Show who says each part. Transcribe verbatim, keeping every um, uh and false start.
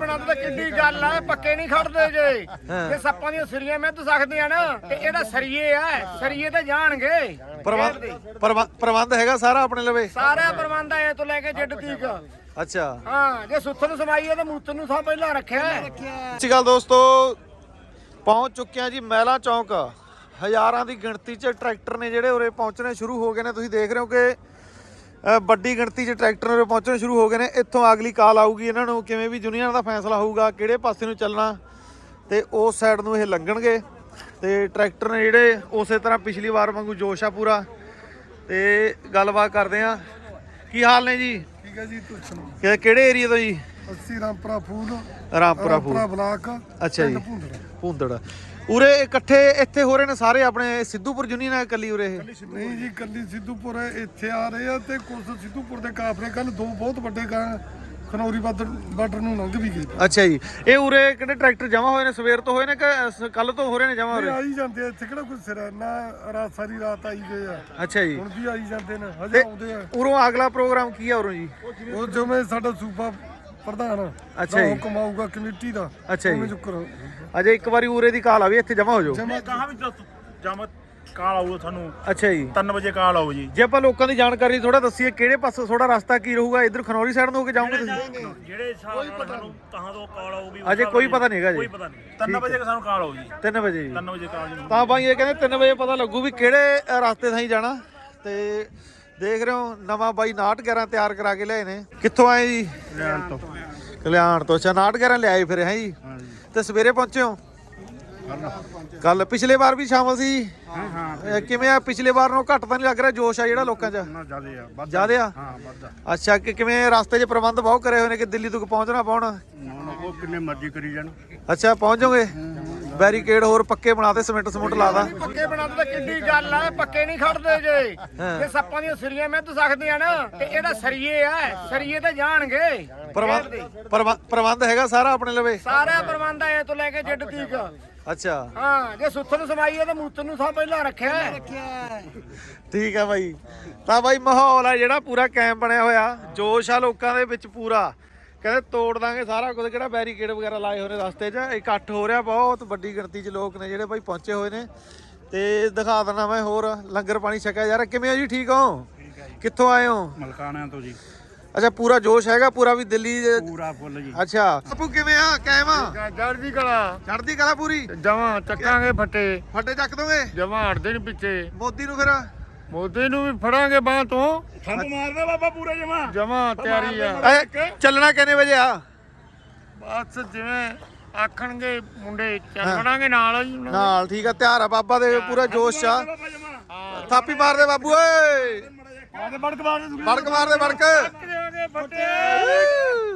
Speaker 1: ਬਣਾ ਤਾਂ ਕਿੱਡੀ ਗੱਲ ਆ, ਪੱਕੇ ਨਹੀਂ ਖੜਦੇ ਜੇ। ਜੇ ਸੱਪਾਂ ਦੀਆਂ ਸਰੀਆਂ ਮਿੱਧ ਸਕਦੀਆਂ ਨਾ ਤੇ ਇਹਦਾ ਸਰੀਏ ਆ, ਸਰੀਏ ਤੇ ਜਾਣਗੇ।
Speaker 2: ਪ੍ਰਬੰਧ ਪ੍ਰਬੰਧ ਹੈਗਾ ਸਾਰਾ ਆਪਣੇ ਲਵੇ,
Speaker 1: ਸਾਰਾ ਪ੍ਰਬੰਧ ਆ ਇਹ ਤੋਂ ਲੈ ਕੇ ਜਿੱਡ ਤੀਕ।
Speaker 2: ਅੱਛਾ
Speaker 1: ਹਾਂ, ਜੇ ਸੁੱਥਣ ਸਮਾਈਏ ਤੇ ਮੂਤਰ ਨੂੰ ਸਭ ਪਹਿਲਾਂ ਰੱਖਿਆ।
Speaker 2: ਅੱਛੀ ਗੱਲ ਦੋਸਤੋ, ਪਹੁੰਚ ਚੁੱਕੇ ਆ ਜੀ ਮਹਿਲਾ ਚੌਂਕ। ਹਜ਼ਾਰਾਂ ਦੀ ਗਿਣਤੀ 'ਚ ਟਰੈਕਟਰ ਨੇ ਜਿਹੜੇ ਉਰੇ ਪਹੁੰਚਣੇ ਸ਼ੁਰੂ ਹੋ ਗਏ ਨੇ। ਤੁਸੀਂ ਦੇਖ ਰਹੇ ਹੋ ਕਿ ਵੱਡੀ ਗਿਣਤੀ 'ਚ ਟਰੈਕਟਰ ਉਰੇ ਪਹੁੰਚਣੇ ਸ਼ੁਰੂ ਹੋ ਗਏ ਨੇ। ਇੱਥੋਂ ਅਗਲੀ ਕਾਲ ਆਊਗੀ ਇਹਨਾਂ ਨੂੰ, ਕਿਵੇਂ ਵੀ ਯੂਨੀਅਨ ਦਾ ਫੈਸਲਾ ਹੋਊਗਾ ਕਿਹੜੇ ਪਾਸੇ ਨੂੰ ਚੱਲਣਾ, ਤੇ ਉਸ ਸਾਈਡ ਨੂੰ ਇਹ ਲੰਘਣਗੇ। ਤੇ ਟਰੈਕਟਰ ਨੇ ਜਿਹੜੇ ਉਸੇ ਤਰ੍ਹਾਂ ਪਿਛਲੀ ਵਾਰ ਵਾਂਗੂ ਜੋਸ਼ ਆ ਪੂਰਾ। ਤੇ ਗੱਲਬਾਤ ਕਰਦੇ ਆ। ਕੀ ਹਾਲ ਨੇ ਜੀ?
Speaker 3: ਠੀਕ ਹੈ ਜੀ, ਤੁਸੀਂ ਸੁਣਾਓ?
Speaker 2: ਕਿ- ਕਿਹੜੇ ਏਰੀਆ ਤੋਂ ਜੀ?
Speaker 3: ਅਸੀਂ ਰਾਮਪੁਰਾ ਫੂਲ,
Speaker 2: ਰਾਮਪੁਰਾ ਫੂਲ।
Speaker 3: ਬਲਾਕ।
Speaker 2: ਅੱਛਾ ਜੀ,
Speaker 3: ਭੁੰਦੜ।
Speaker 2: ਭੁੰਦੜ। ਉਰੇ ਇਕੱਠੇ ਇੱਥੇ ਹੋ ਰਹੇ ਨੇ ਸਾਰੇ ਆਪਣੇ ਸਿੱਧੂਪੁਰ ਯੂਨੀਅਨ ਹੈ ਇਕੱਲੀ ਉਰੇ ਇਹ?
Speaker 3: ਨਹੀਂ ਜੀ, ਕੱਲੀ ਸਿੱਧੂਪੁਰ ਇੱਥੇ ਆ ਰਹੇ ਆ ਤੇ ਕੁਝ ਸਿੱਧੂਪੁਰ ਦੇ ਕਾਫਲੇ ਕੱਲ ਦੋ ਬਹੁਤ ਵੱਡੇ ਕਾਂ ਖਨੌਰੀ ਬਾਰਡਰ ਨੂੰ ਲੰਘ ਵੀ ਗਏ।
Speaker 2: ਅੱਛਾ ਜੀ, ਇਹ ਉਰੇ ਕਿਹੜੇ ਟਰੈਕਟਰ ਜਮਾ ਹੋਏ ਨੇ? ਸਵੇਰ ਤੋਂ ਹੋਏ ਨੇ ਕਿ ਕੱਲ ਤੋਂ ਹੋ ਰਹੇ ਨੇ ਜਮਾ ਉਰੇ?
Speaker 3: ਆਈ ਜਾਂਦੇ ਆ ਇੱਥੇ, ਕਿਹੜਾ ਕੋਈ ਸਿਰ ਨਾ ਰਾਤ ਸਾਰੀ ਰਾਤ ਆਈ ਗਏ ਆ।
Speaker 2: ਅੱਛਾ ਜੀ,
Speaker 3: ਹੁਣ ਵੀ ਆਈ ਜਾਂਦੇ ਨੇ, ਹਜੇ ਆਉਂਦੇ ਆ।
Speaker 2: ਉਰੋਂ ਅਗਲਾ ਪ੍ਰੋਗਰਾਮ ਕੀ ਆ ਉਰੋਂ ਜੀ?
Speaker 3: ਉਹ ਜਿਵੇਂ ਸਾਡਾ ਸੂਬਾ ਪ੍ਰਧਾਨ
Speaker 2: ਅੱਛਾ ਜੀ,
Speaker 3: ਹੁਕਮ ਆਊਗਾ ਕਮੇਟੀ ਦਾ,
Speaker 2: ਅੱਛਾ ਜੀ।
Speaker 3: ਉਵੇਂ ਚੁੱਕਰ
Speaker 2: ਅਜੇ ਇੱਕ ਵਾਰੀ ਉਰੇ ਦੀ ਕਾਲ ਆ ਵੀ ਇੱਥੇ ਜਮਾ ਹੋ ਜਾਓ।
Speaker 3: ਜਮਾ
Speaker 4: ਕਹਾਂ ਵੀ ਜਮ ਕਾਲ ਆਊਗਾ ਤੁਹਾਨੂੰ
Speaker 2: ਅੱਛਾ ਜੀ,
Speaker 4: ਤਿੰਨ ਵਜੇ ਕਾਲ ਆਊ ਜੀ।
Speaker 2: ਜੇ ਆਪਾਂ ਲੋਕਾਂ ਦੀ ਜਾਣਕਾਰੀ ਥੋੜਾ ਦੱਸੀਏ, ਕਿਹੜੇ ਪਾਸੇ ਥੋੜਾ ਰਸਤਾ ਕੀ ਰਹੂਗਾ? ਇੱਧਰ ਖਨੌਰੀ ਸਾਈਡ ਨੂੰ ਹੋ ਕੇ ਜਾਓਗੇ ਤੁਸੀਂ?
Speaker 4: ਜਿਹੜੇ ਹਿਸਾਬ ਨਾਲ ਸਾਨੂੰ ਕਹਾਂ ਤੋਂ ਕਾਲ ਆਊਗੀ
Speaker 2: ਅਜੇ ਕੋਈ ਪਤਾ ਨਹੀਂ ਹੈਗਾ ਜੀ।
Speaker 4: ਕੋਈ ਪਤਾ ਨਹੀਂ। ਤਿੰਨ ਵਜੇ ਸਾਨੂੰ ਕਾਲ ਆਊ ਜੀ।
Speaker 2: ਤਿੰਨ ਵਜੇ ਜੀ?
Speaker 4: ਤਿੰਨ ਵਜੇ ਕਾਲ ਜੀ।
Speaker 2: ਤਾਂ ਬਾਈ ਇਹ ਕਹਿੰਦੇ ਤਿੰਨ ਵਜੇ ਪਤਾ ਲੱਗੂ ਵੀ ਕਿਹੜੇ ਰਸਤੇ ਥਾਈ ਜਾਣਾ। ਤੇ ਦੇਖ ਰਹੇ ਹੋ ਨਵਾਂ ਬਾਈ ਨਾਟ ਗਿਆਰਾਂ ਤਿਆਰ ਕਰਾ ਕੇ ਲਿਆਏ ਨੇ। ਕਿੱਥੋਂ ਆਏ ਜੀ?
Speaker 4: ਲੈਣ ਤੋਂ।
Speaker 2: ਕਲਿਆਣ ਤੋਂ। ਅੱਛਾ, ਨਾਟ ਗਿਆਰਾਂ ਲਿਆਏ ਫਿਰ ਹੈ ਜੀ? ਤੇ ਸਵੇਰੇ ਪਹੁੰਚੇ ਹੋ? ਕੱਲ ਪਿਛਲੇ ਵਾਰ ਵੀ ਸ਼ਾਮਲ ਸੀ?
Speaker 4: ਹਾਂ ਹਾਂ।
Speaker 2: ਕਿਵੇਂ ਆ? ਪਿਛਲੇ ਵਾਰ ਨਾਲੋਂ ਘੱਟ ਤਾਂ ਨਹੀਂ ਲੱਗ ਰਿਹਾ ਜੋਸ਼ ਆ ਜਿਹੜਾ ਲੋਕਾਂ 'ਚ?
Speaker 4: ਨਾ ਜ਼ਿਆਦੇ ਆ, ਵੱਧ
Speaker 2: ਜ਼ਿਆਦੇ ਆ?
Speaker 4: ਹਾਂ ਵੱਧ।
Speaker 2: ਅੱਛਾ, ਕਿ ਕਿਵੇਂ ਰਸਤੇ 'ਚ ਪ੍ਰਬੰਧ ਬਹੁਤ ਕਰੇ ਹੋਏ ਨੇ ਕਿ ਦਿੱਲੀ ਤੱਕ ਪਹੁੰਚਣਾ ਪਾਉਣਾ?
Speaker 4: ਉਹ ਕਿੰਨੇ ਮਰਜ਼ੀ ਕਰੀ ਜਾਣ।
Speaker 2: ਅੱਛਾ, ਪਹੁੰਚ ਜਾਓਗੇ? ਬੈਰੀਕੇਡ ਹੋਰ ਪੱਕੇ ਬਣਾਤੇ, ਸਿਮੈਂਟ ਸਮੁੰਟ ਲਾਦਾ?
Speaker 1: ਪੱਕੇ ਬਣਾ ਤਾਂ ਕਿੱਡੀ ਗੱਲ ਆ, ਪੱਕੇ ਨਹੀਂ ਖੜਦੇ ਜੇ। ਜੇ ਸੱਪਾਂ ਦੀਆਂ ਸਰੀਆਂ ਮਿੱਧ ਸਕਦੀਆਂ ਨਾ ਤੇ ਇਹਦਾ ਸਰੀਏ ਆ, ਸਰੀਏ ਤੇ ਜਾਣਗੇ।
Speaker 2: ਪ੍ਰਬੰਧ ਪ੍ਰਬੰਧ ਪ੍ਰਬੰਧ ਹੈਗਾ ਸਾਰਾ ਆਪਣੇ ਲਵੇ,
Speaker 1: ਸਾਰਾ ਪ੍ਰਬੰਧ ਆ ਇਹ ਤੋਂ ਲੈ ਕੇ ਜਿੱਡ ਤੀਕ।
Speaker 2: ਅੱਛਾ
Speaker 1: ਹਾਂ, ਜੇ ਸੁੱਥਣ ਸਮਾਈਏ ਤੇ ਮੂਤਰ ਨੂੰ ਸਭ ਪਹਿਲਾਂ ਰੱਖਿਆ।
Speaker 2: ਠੀਕ ਆ ਬਾਈ। ਤਾਂ ਬਾਈ ਮਾਹੌਲ ਆ ਜਿਹੜਾ ਪੂਰਾ ਕੈਂਪ ਬਣਿਆ ਹੋਇਆ, ਜੋਸ਼ ਆ ਲੋਕਾਂ ਦੇ ਵਿੱਚ ਪੂਰਾ। ਕਹਿੰਦੇ ਤੋੜ ਦਾਂਗੇ ਸਾਰਾ ਕੁਝ, ਕਿਹੜਾ ਬੈਰੀਕੇਡ ਵਗੈਰਾ ਲਾਏ ਹੋਏ ਨੇ ਰਸਤੇ 'ਚ। ਇਕੱਠ ਹੋ ਰਿਹਾ, ਬਹੁਤ ਵੱਡੀ ਗਿਣਤੀ 'ਚ ਲੋਕ ਨੇ ਜਿਹੜੇ ਬਾਈ ਪਹੁੰਚੇ ਹੋਏ ਨੇ। ਤੇ ਦਿਖਾ ਦਿੰਦਾ ਮੈਂ ਹੋਰ ਲੰਗਰ ਪਾਣੀ ਛਕਿਆ ਯਾਰ। ਕਿਵੇਂ ਹੋ ਜੀ? ਠੀਕ ਹੋ? ਕਿੱਥੋਂ ਆਏ ਹੋ?
Speaker 4: ਮਲਕਾਣਿਆਂ ਤੋਂ ਜੀ।
Speaker 2: ਅੱਛਾ, ਪੂਰਾ ਜੋਸ਼ ਹੈਗਾ ਪੂਰਾ ਵੀ ਦਿੱਲੀ ਦੇ?
Speaker 4: ਪੂਰਾ ਫੁੱਲ ਜੀ।
Speaker 2: ਅੱਛਾ ਆਪੂ ਕਿਵੇਂ ਆ? ਕਾਇਮ ਆ?
Speaker 1: ਜੜਦੀ ਕਲਾ
Speaker 2: ਚੜ੍ਹਦੀ ਕਲਾ ਪੂਰੀ?
Speaker 1: ਜਮਾਂ ਚੱਕਾਂਗੇ ਫੱਟੇ,
Speaker 2: ਫੱਟੇ ਚੱਕ ਦੋਗੇ?
Speaker 1: ਜਮਾਂ ਹਟਦੇ ਨੀ ਪਿੱਛੇ।
Speaker 2: ਮੋਦੀ ਨੂੰ ਫਿਰ?
Speaker 1: ਮੋਦੀ ਨੂੰ ਵੀ ਫੜਾਂਗੇ ਬਾਹ ਤੋਂ।
Speaker 4: ਸਾਨੂੰ ਮਾਰਦਾ ਬਾਬਾ ਪੂਰਾ ਜਮਾ।
Speaker 1: ਜਮਾਂ ਤਿਆਰੀ ਆ।
Speaker 2: ਐ, ਚੱਲਣਾ ਕਿੰਨੇ ਵਜੇ ਆ?
Speaker 1: ਬਸ ਜਿਵੇਂ ਆਖਣਗੇ ਮੁੰਡੇ ਚੱਲ ਵੜਾਂਗੇ ਨਾਲ ਹੀ।
Speaker 2: ਨਾਲ ਠੀਕ ਆ, ਤਿਆਰ ਆ ਬਾਬਾ ਦੇ ਪੂਰਾ ਜੋਸ਼ ਆ। ਥਾਪੀ ਮਾਰਦੇ ਬਾਬੂ ਓਏ,
Speaker 4: ਬੜਕ ਮਾਰ ਦੇ
Speaker 2: ਬੜਕ ਮਾਰਦੇ ਬੜਕ।
Speaker 1: ਫੱਟੇ